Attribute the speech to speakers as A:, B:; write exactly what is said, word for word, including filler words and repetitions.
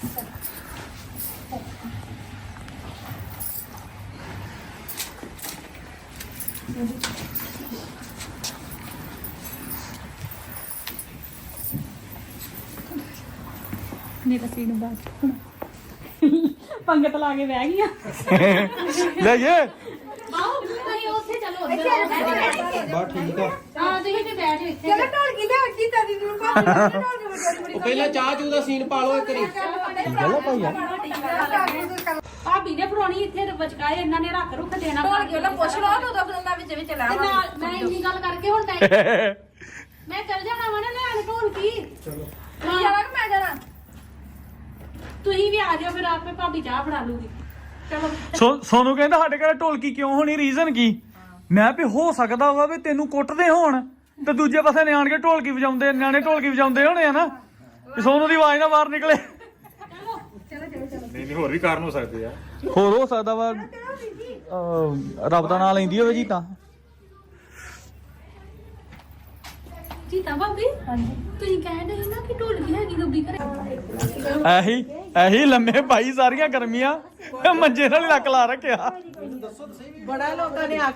A: ਮੇਰਾ ਸੀਨ ਬਸ ਪੰਗਤ ਲਾ ਕੇ ਬਹਿ ਗਈਆਂ
B: ਲੈ ਜੇ
A: ਆਓ ਤੁਸੀਂ ਉੱਥੇ ਚਲੋ ਉੱਧਰ
B: ਬਾ ਠੀਕ ਆ
A: ਹਾਂ ਤੁਸੀਂ ਤੇ ਬੈਠ ਜਾਓ ਇੱਥੇ
C: ਚਲੋ ਢੋਲਕੀ ਲਿਆ ਕੀਤਾ ਦੀ ਨੂੰ ਪਾ ਢੋਲਕੀ ਬੜੀ ਬੜੀ
D: ਉਹ ਪਹਿਲਾਂ ਚਾਹ ਚੂ ਦਾ ਸੀਨ ਪਾ ਲਓ ਇੱਕ ਵਾਰੀ
B: ਗੱਲ ਭਾਈ ਆ
A: ਭਾਬੀ ਨੇ ਫਰੋਣੀ ਇੱਥੇ ਬਚਕਾਏ ਇਹਨਾਂ ਨੇ ਰੱਖ ਰੁੱਖ ਦੇਣਾ
C: ਢੋਲਕੀ ਉਹਦਾ ਪੁੱਛ ਲਓ ਤਾਂ ਉਦੋਂ ਮੈਂ ਵਿੱਚ ਵਿੱਚ
A: ਤੇ
C: ਲਾਵਾਂ
A: ਨਾਲ ਮੈਂ ਇੰਨੀ ਗੱਲ ਕਰਕੇ ਹੁਣ ਟਾਈਮ ਮੈਂ ਚੱਲ ਜਾਣਾ ਵਾ ਨਾ ਲੈਣ ਢੋਲਕੀ
D: ਚਲੋ
C: ਤੂੰ ਜਾਣਾ ਕਿ ਮੈਂ ਜਾਣਾ
A: ਤੁਸੀਂ ਵੀ ਆ ਜਾਓ ਫਿਰ ਆਪੇ ਭਾਬੀ ਚਾਹ ਫੜਾ ਲੂਗੀ ਚਲੋ
B: ਸੋ ਸੋਨੂੰ ਕਹਿੰਦਾ ਸਾਡੇ ਘਰ ਢੋਲਕੀ ਕਿਉਂ ਹੋਣੀ ਰੀਜ਼ਨ ਕੀ ਮੈਂ ਵੀ ਹੋ ਸਕਦਾ ਵਾ ਵੀ ਤੈਨੂੰ ਕੁੱਟਦੇ ਹੋਣ ਤੇ ਦੂਜੇ ਪਾਸੇ ਨਿਆਣ ਕੇ ਢੋਲਕੀ ਵਜਾਉਂਦੇ ਨਿਆਣੇ ਢੋਲਕੀ ਵਜਾਉਂਦੇ ਹੋਣੇ ਆ ਨਾ ਵੀ ਸੋਨੂੰ ਦੀ ਆਵਾਜ਼ ਨਾ ਬਾਹਰ ਨਿਕਲੇ
E: ਨਹੀਂ ਨਹੀਂ ਹੋਰ ਵੀ ਕਾਰਨ ਹੋ ਸਕਦੇ ਆ
B: ਹੋਰ ਹੋ ਸਕਦਾ ਵਾ ਅਹ, ਰੱਬ ਦਾ ਨਾਂ ਲੈਂਦੀ ਹੋਵੇ ਜੀ ਤਾਂ
A: ਜੀ ਤਾਂ ਭਾਬੀ ਹਾਂਜੀ ਤੁਸੀਂ ਕਹਿੰਦੇ ਸੀ ਨਾ ਕਿ ਢੋਲਕੀ ਹੈਗੀ ਗੱਬੀ ਘਰੇ
B: ਐਹੀ ਐਹੀ ਲੰਮੇ ਭਾਈ ਸਾਰੀਆਂ ਗਰਮੀਆਂ ਮੰਜੇ ਨਾਲ ਹੀ ਲੱਕ ਲਾ ਰੱਖਿਆ
C: ਬੜਾ ਲੋਕਾਂ ਨੇ